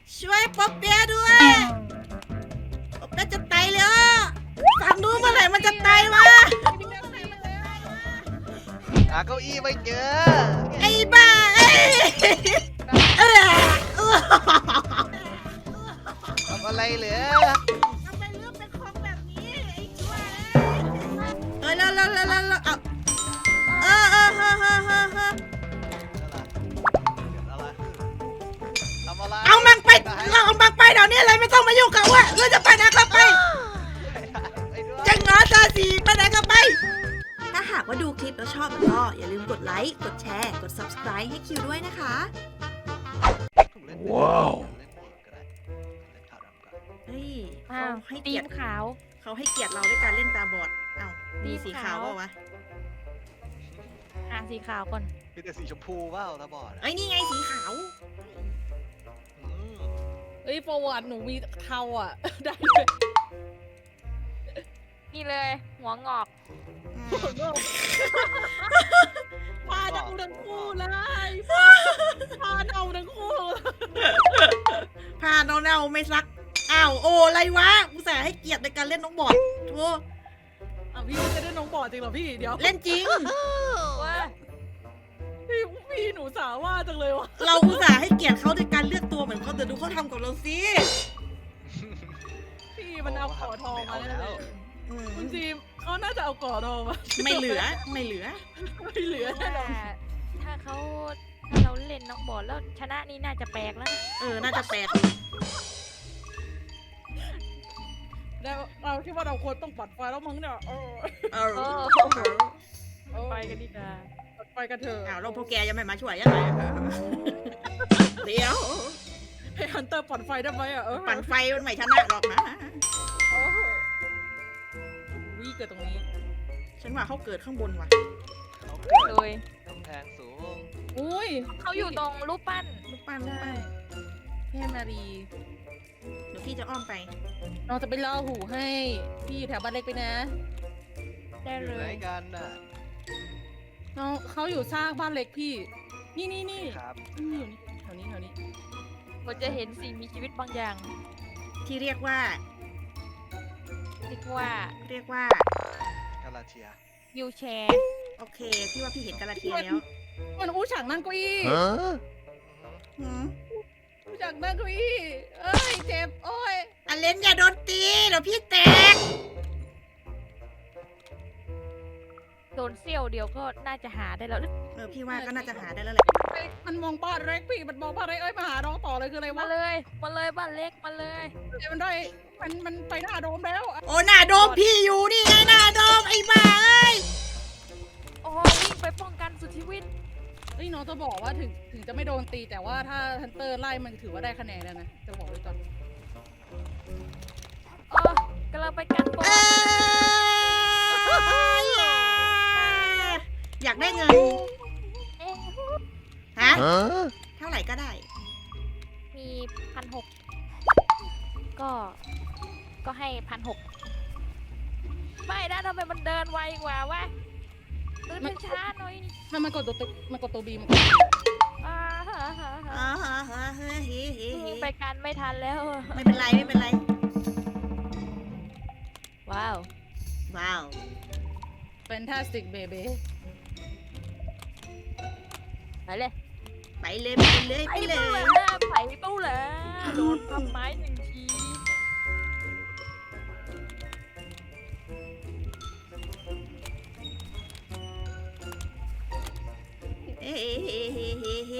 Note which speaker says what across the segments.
Speaker 1: ช่วยป๊อปเปียด้วยป๊อปเปียจะตายแล้วฝั่งนู้นเมื่อไหร่มันจะตายวะ
Speaker 2: หาเก้าอี้ไม่เจอ
Speaker 1: ไอ้บ้าเอ้ย
Speaker 2: ทำอะไรเหลือ
Speaker 1: ทำไมเรื่องเป็นของแบบนี้ไอ้ชั่วเอ้ยแล้วเอามันไปเราเอามันไปเดี๋ยวนี้เลยไม่ต้องมายุ่งกับว่าเราจะไปไหนก็ไปจังหนอตาสีไปไหนก็ไปถ้าหากว่าดูคลิปแล้วชอบก็อย่าลืมกดไลค์กดแชร์กด Subscribe ให้คิวด้วยนะคะ
Speaker 2: ว้าว
Speaker 1: เฮ้ย
Speaker 3: อ้าว
Speaker 1: เขาให้
Speaker 3: ตี
Speaker 1: เกียร
Speaker 3: ม
Speaker 1: ติ
Speaker 3: ขาว
Speaker 1: เขาให้เกียรติเราด้วยการเล่นตาบอดอ้าวมีสีขาวเปล่าวะ
Speaker 3: สีขาวก่อน
Speaker 2: มีแต่สีชมพูว่าวตาบอด
Speaker 1: เอ้ยนี่ไงสีขาว
Speaker 4: เอ้ยประวัติหนูมีเทาอ่ะ ได้เลย
Speaker 3: นี่เลย หัวงอก
Speaker 4: พาเดาทั้งคู่เลยพาเดาทั้งคู่
Speaker 1: ผ้าเน่าๆไม่ซักอ้าวโอ้อะไรวะอุตส่าห์ให้เกียรติในการเล่นน้องบอดโธ่
Speaker 4: อ่ะพี่ไม่ได้น้องบอดจริงเหรอพี่เดี๋ยว
Speaker 1: เล่นจริง
Speaker 3: ว่า
Speaker 4: พี่หนูสาว่าจังเลยวะ
Speaker 1: เราอุตส่าห์ให้เกียรติเขาในการเลือกตัวเหมือนเขาแต่ดูเขาทำกับเราสิ
Speaker 4: พี่มันเอาก่อทองมาแล้ว
Speaker 1: อืม
Speaker 4: คุณจีมเขาน่าจะเอาก่อทองมา
Speaker 1: ไม่เหลือไม่เหลือ
Speaker 4: ไม่เหลือแน่นอน
Speaker 3: ถ้าเราเล่นน้องบอลแล้วชนะนี่น่าจะแปลกแล้วนะ
Speaker 1: น่าจะแปลก
Speaker 4: แล้วเราคิดว่าเราควรต้องปัดไฟแล้วมั้งเนี่ย
Speaker 1: เออ
Speaker 3: ไปกันดีกว่า
Speaker 4: ปัดไฟกันเถอะ
Speaker 1: อ้าวเราพวกแกยังไม่มาช่วยยังไงเดี๋ยว
Speaker 4: ให้ฮันเตอร์ปัดไฟได้ไหมอ่ะ
Speaker 1: ปั่นไฟมันไม่ชนะหรอกนะ
Speaker 4: วิ่งเกิดตรงนี้
Speaker 1: ฉันว่าเขาเกิดข้างบนว่ะ
Speaker 2: เขาเกิด
Speaker 3: โดย
Speaker 2: กำแพงสูง
Speaker 4: อุ้ย
Speaker 3: เขาอยู่ตรงรูปปั้น
Speaker 1: ลูกปั้น
Speaker 4: ใช่เทพนารี
Speaker 1: เดี๋ยวพี่จะอ้อมไป
Speaker 4: น้องจะไปเล่าหูให้พี่อยู่แถวบ้านเล็กไปนะ
Speaker 3: ได้
Speaker 2: อ
Speaker 3: เล
Speaker 2: ยู่ไหน
Speaker 3: ย
Speaker 2: กันน่ะ
Speaker 4: น้องเขาอยู่สร้างบ้านเล็กพี่ นี่
Speaker 2: ครับ
Speaker 4: นี่อยู่นี่แถวนี้
Speaker 3: ก็จะเห็นสิ่งมีชีวิตบางอย่าง
Speaker 1: ที่เรียกว่า
Speaker 3: เรียกว่า
Speaker 2: กาลาเทีย
Speaker 3: วิวแชร์
Speaker 1: โอเคพี่ว่าพี่เห็นกาลาเทียแล้ว
Speaker 4: มันอู้ฉากนั่งเก้าอี้
Speaker 1: หืม
Speaker 4: อู้ฉากนั่งเก้าอี้เอ้ยเจ็บโอ้ย
Speaker 1: อเลนอย่าโดนตีเดี๋ยวพี่แตก
Speaker 3: โดนเซี่ยวเดียวก็น่าจะหาได้แล้ว
Speaker 1: พี่ว่าก็น่าจะหาได้แล้วแหละ
Speaker 4: มันมองบ้านเล็กพี่มันมองบ้านเล็กเอ้ยมาหาน้องต่อเลยคืออะไร
Speaker 3: มาว
Speaker 4: ะ
Speaker 3: เลยบ้านเล็กมาเลย
Speaker 4: มันได้มันไปหน้าโดมแล้ว
Speaker 1: โอ้หน้าโดมพี่อยู่นี่ไงหน้าโดมไอ้บ้าเอ้ย
Speaker 3: โอ้วิ่งไปป้องกันสุดชีวิต
Speaker 4: เฮ้ยน้องจะบอกว่าถึงจะไม่โดนตีแต่ว่าถ้าฮันเตอร์ไล่มันถือว่าได้คะแนนแล้วนะจะบอกไว้ก่อน
Speaker 3: กำลังไปกันบอล
Speaker 1: อยากได้เงินฮะเท่าไหร่ก็ได้
Speaker 3: มี1,600ก็ให้1,600ไม่นะทำไมมันเดินไวกว่าวะเดินช้าหน่อยนี่
Speaker 4: มันกดตัวบีมัน
Speaker 3: อ่าฮะ
Speaker 1: เฮ้ย
Speaker 3: ไปกันไม่ทันแล้ว
Speaker 1: ไม่เป็นไรไม่เป็นไร
Speaker 3: ว้าว
Speaker 1: ว้าว
Speaker 4: เป็นท่าสติกเบเบ้
Speaker 3: ไปเลย
Speaker 1: ไปเลยไปเลย
Speaker 3: ไป
Speaker 1: ไปเล
Speaker 3: เป้าย เลยไปเป้าเลยโดนทำไม้1 ที
Speaker 1: เฮ้เฮ้เฮ้เฮ้เฮ้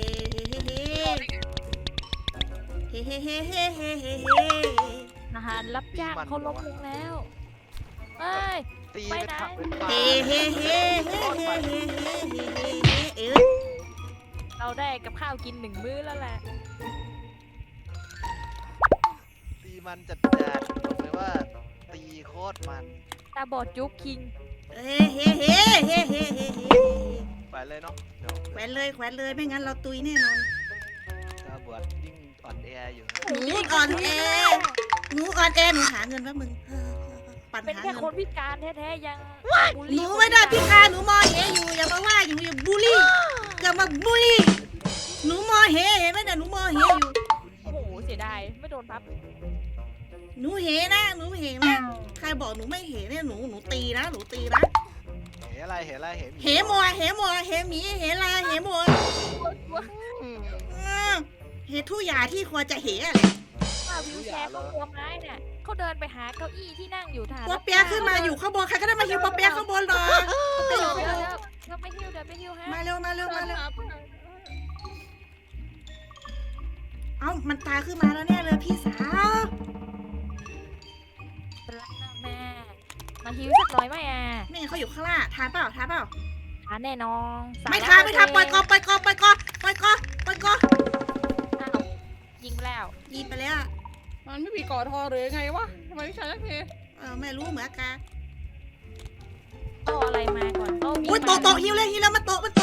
Speaker 1: เฮ้เฮ้เฮ้เฮ้เฮ้เฮ้เฮ้
Speaker 3: อาหารรับจ้างเขาล้มลงแล้วเอ้ย
Speaker 2: ตี
Speaker 3: ไป
Speaker 2: เป็น
Speaker 3: ไหน
Speaker 2: ผักเป็นปลา
Speaker 1: เฮ้เฮ้เฮ้เฮ้เฮ้เฮ้เฮ้
Speaker 3: เราได้กับข้าวกิน1 มื้อแล้วแหละ
Speaker 2: ตีมันจัดบอกเลยว่า ตีโคตรมัน
Speaker 3: ตาบอดจุ๊บคิง
Speaker 1: เฮ้เฮ้เฮ้เฮ้เฮ้เฮ้
Speaker 2: ไปเลยเนาะเดี๋ยว
Speaker 1: แขวนเลยไม่งั้นเราตุยแน่นอน
Speaker 2: ตาบอดยิ่งอ่อนแออยู่
Speaker 1: หนูอ่อนแอหนูหาเงินแป๊บมึงปั่น
Speaker 3: เป็น
Speaker 1: หา
Speaker 3: แค่
Speaker 1: เงิ
Speaker 3: คน
Speaker 1: น
Speaker 3: พิการแท้ๆยังบูล
Speaker 1: ห
Speaker 3: ลี่
Speaker 1: นูไม่ได้พิการหนูมอเหอยู่อย่ามาว่าอย่าบูลลี่อย่ามาบูลลี่หนูมอเหเห็นไหมเนี่ยหนูมอเหอยู่
Speaker 2: โอ้โห
Speaker 3: ไม่โดนพับ
Speaker 1: หนูเหนะหนูเหนะใครบอกหนูไม่เหเนี่ยหนูตีนะหนูตีนะ
Speaker 2: เห็นอะไรเห็นอะไรเห็น
Speaker 1: เหมัวเหมัวเหหมีเหลาเหมัว
Speaker 2: อืม
Speaker 1: เหทุกอย่างที่ควรจะเหอะไร
Speaker 3: ว่าวิวแชร์เขาตัวไม้เนี่ยเขาเดินไปหาเก้าอี้ที่นั่งอยู่ฐาน
Speaker 1: ปอเปียะขึ้นมาอยู่ข้างบนใครก็ได้มาฮิวปอเปียะข้างบนหน่อย
Speaker 3: เดี๋ยวไปฮิวฮะ
Speaker 1: มาเร็วมาเร็วมาเร็ว
Speaker 4: ครับ
Speaker 1: เอ้ามันตายขึ้นมาแล้วเนี่ยเลยพี่สาว
Speaker 3: แม่มาฮิวสักหน่อยไหมอ่ะ
Speaker 1: นี่เขาอยู่ข้างล่างทานเปล่าทานเปล่า
Speaker 3: ทานแน่นอน
Speaker 1: ไม่ทานไม่ทานปล่อยกอปล่อยกอปล่อยกอปล่อยกอปล่อยกอ
Speaker 3: อ้าวยิงไปแล้ว
Speaker 1: ยิงไปแล้ว
Speaker 4: มันไม่มีก่อทอหรือไงวะทำไมไม่ใช่สักที
Speaker 1: ไม่รู้เหมือนกัน
Speaker 3: โตอะไรมาก่อนโตมี
Speaker 1: อุ้ยโตะฮิวเลยฮิวแล้วมันโตะ
Speaker 4: มา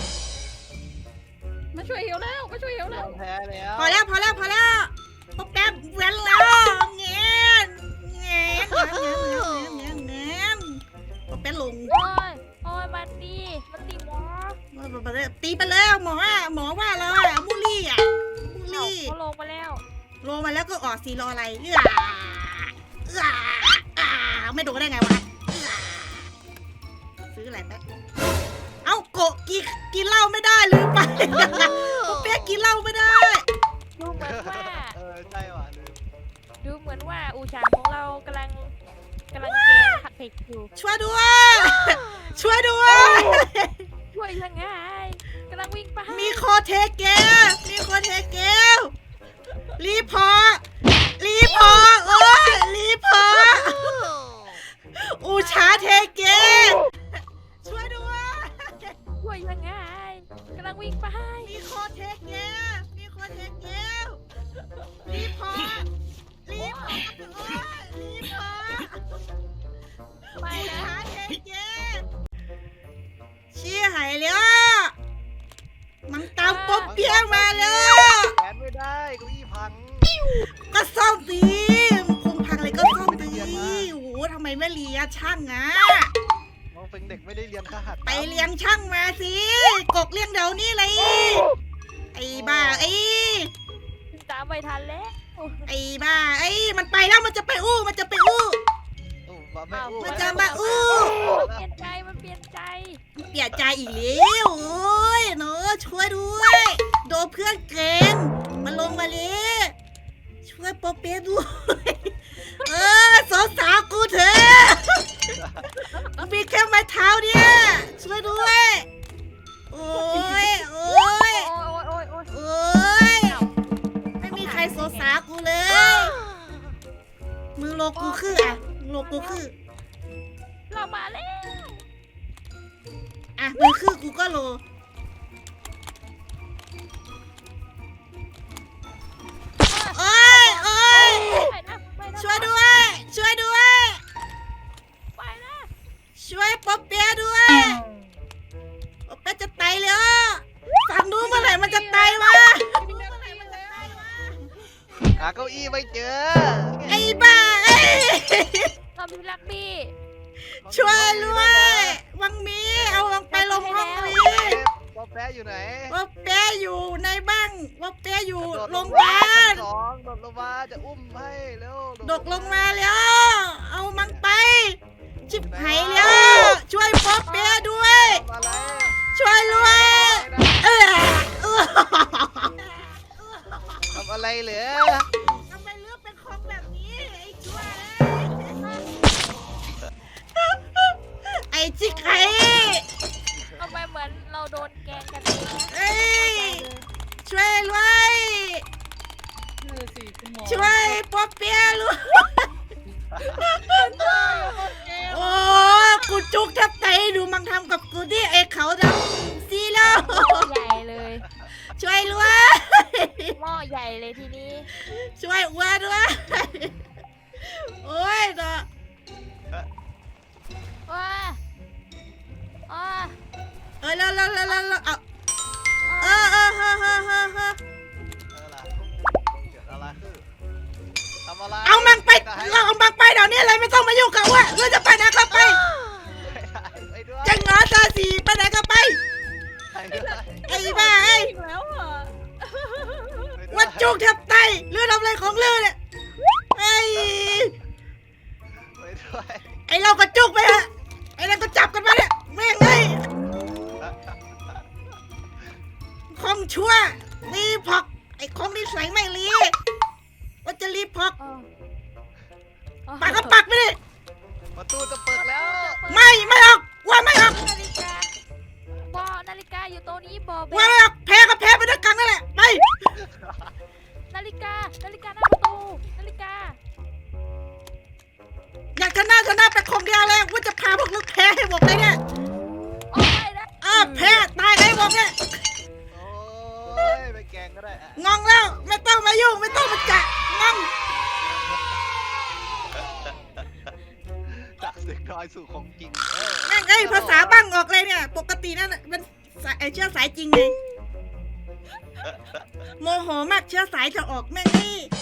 Speaker 4: ช่วยเหี่ยวแล้วมาช่วยเหี่ยวแล้ว
Speaker 2: แพ้แล้ว
Speaker 1: พอแล้วพอแล้วปอเปียะแว้นแล้วเงี้ยเงี้ยปอเปียะลง
Speaker 3: โอ้ยมันตีหมอ
Speaker 1: ตีไปเลยหมอว่าเราอะมูลี่อะมูลี่
Speaker 3: เขาลงมาแล้ว
Speaker 1: ลงมาแล้วก็ออกสีรออะไรไม่โดนได้ไงวะซื้ออะไรไปเอ้าโกะกินเหล้าไม่ได้ลืมไปปอเปียะกินเหล้าไม่ได้
Speaker 3: ดูเหมือนว่า
Speaker 2: ใช่ว่ะลืม
Speaker 3: ดูเหมือนว่าอูชางของเรากำลังเกมผัดเผ็ดอยู่
Speaker 1: ช่วยด้วย ช่วยด้วย
Speaker 3: ช่วยยังไงกำลังวิ่งไป
Speaker 1: มีโคเทเกลรีพอร์ตโอ้ยรีพอร์ตอูชาเทเกช่วยด้วย
Speaker 3: ช่วยยังไงกำลังวิ่งไป
Speaker 1: มีโคเทเกลรีพอร์ตโอ้ยรีพอร์ต
Speaker 3: ไป
Speaker 1: อู
Speaker 3: นะ
Speaker 1: ชาเทเกเชี่ยหายแล้วมันตามป๊อบเปียมาแล้ว
Speaker 2: แขนไม่ได้เก้าอี้พัง
Speaker 1: ก็ซ่อมสิมันคงพังเลยก็ซ่อมสิโอ้โหทำไมไม่เรียนช่างอ่ะ
Speaker 2: น้องเป็นเด็กไม่ได้เรียนคหัตถ์
Speaker 1: ไปเรียนช่างมาสิกกเรียงเดี๋ยวนี้เลยไอ้บ้า
Speaker 3: ตามไปทันแล้ว
Speaker 1: มันไปแล้วมันจะไปอู้
Speaker 2: อู้มาไม่อู้
Speaker 1: มันจะมาอู้
Speaker 3: เปลี่ยนใจมันเปลี่ยนใจ
Speaker 1: เปลี่ยนใจอีกแล้วโอ้ยเนาะช่วยด้วยโดนเพื่อนเกณฑ์มันลงมาเลยช่วยปอเปียะด้วยสาวกูเถอะมีแค่ไม้เท้าเนี่ยช่วยด้วยโอ้ย
Speaker 3: โอ้ย
Speaker 1: ไม่มีใครสงสารกูเลยมึงโลกูคืออ่ะโลกูคือ
Speaker 3: เรามาแล้ว
Speaker 1: อ่ะมึงคือกูก็โลโอ้ยช่วยด้วย
Speaker 3: ไปนะ
Speaker 1: ช่วยป๊อปเปียะด้วยป๊อปเปียะจะตายแล้วฟังดูเมื่อไหร่มันจะตายวะ
Speaker 2: หาเก้าอี้ไม่เจอ
Speaker 1: ไอ้บ้า
Speaker 3: เรามีลักบี้
Speaker 1: ช่วยด้วยวังมีเอาวังไปลงห้องมี
Speaker 2: ป๊อปแป๊ะอยู่ไหน
Speaker 1: ป๊อปเปียะอยู่ในบ้านป๊อปเปียะอยู่
Speaker 2: โดด
Speaker 1: โรงพยาบาล
Speaker 2: สองโดดลงมาจะอุ้มให้เร็ว
Speaker 1: ดกลงมาแล้ว เอามันไป ชิบหายแล้วช่วยป๊อปเปียะด้วย
Speaker 2: ทำอะไร
Speaker 1: ช่วยด้วยเออ
Speaker 2: ทำอะไรเหรอ
Speaker 1: ทำไมเลือกเป็นของแบบนี้ไอ้ช่วยไอ้ชิคไข่
Speaker 3: ทำไมเหมือนเราโดนแกงกันเองนะ
Speaker 1: เอ้ยช่วยด้วย
Speaker 4: นั่นน่ะสิคุณหมอ
Speaker 1: ช่วยป๊อปเปียะลูกโอ้กูจุกแทบไตดูมังทำกับกูดิไอ้เขาดำซีแล้ว
Speaker 3: ใหญ่เลย
Speaker 1: ช่วยด้วย
Speaker 3: หม้อใหญ่เลยทีนี้
Speaker 1: ช่วยอ้วนด้วยโอ้ยเนาะ
Speaker 3: ว้า
Speaker 1: แล้วเอาเฮ้
Speaker 2: ล่ะเกิดอะไรขึ้นทำอะไร
Speaker 1: เอามังไปเดี๋ยวนี้เลยไม่ต้องมายุ่งกับอ้วนเราจะไปไหนก็ไป
Speaker 2: ไปด้วย
Speaker 1: จังหนอซาสีไปไหนก็ไป
Speaker 2: ไปด้วย
Speaker 1: ไอ้บ้า
Speaker 4: อีกแล้วอ่ะ
Speaker 2: ไปด้วย
Speaker 1: ว่าจจุกแทบตายเลือดทำอะไรของเลือดเนี่ยไอ้
Speaker 2: ไปด้วย
Speaker 1: ไอ้เรากระจุกไปฮะไอ้นั่นก็จับกันไปเนี่ยแม่งไงของชั่วรีพอกไอ้ของนิสัยไม่รีว่าจะรีพอก ปากก็ปักไปดิ
Speaker 2: ประตูจะเปิดแล้ว
Speaker 1: ไม่ออกว่าไม่ออก
Speaker 3: นาฬิกาบอนาฬิกาอยู่ตรงนี้บอเบ
Speaker 1: ว่าไม่ออกแพ้ก็แพ้ไปด้วยกันนั่นแหละไป
Speaker 3: นาฬิกาหน้าประตูนาฬิกา
Speaker 1: อยากชนะไปคนเดียวเลยว่าจะพาพวกลูกแพ้ให้หมดเลยเนี่ย
Speaker 3: โอ้ยนะ
Speaker 1: แพ้ตายให้หมดเนี่ย
Speaker 2: โอ้ยไปแกงก็ได้อะ
Speaker 1: งองแล้วไม่ต้องมายุ่งไม่ต้องมาแกะงอง
Speaker 2: จากเสียงน้อยสู่ของจริง
Speaker 1: แม่งไอ้ภาษาบ้างออกเลยเนี่ยปกตินั่นน่ะเป็นเชื้อสายจริงไงโมโหมากเชื้อสายจะออกแม่งนี่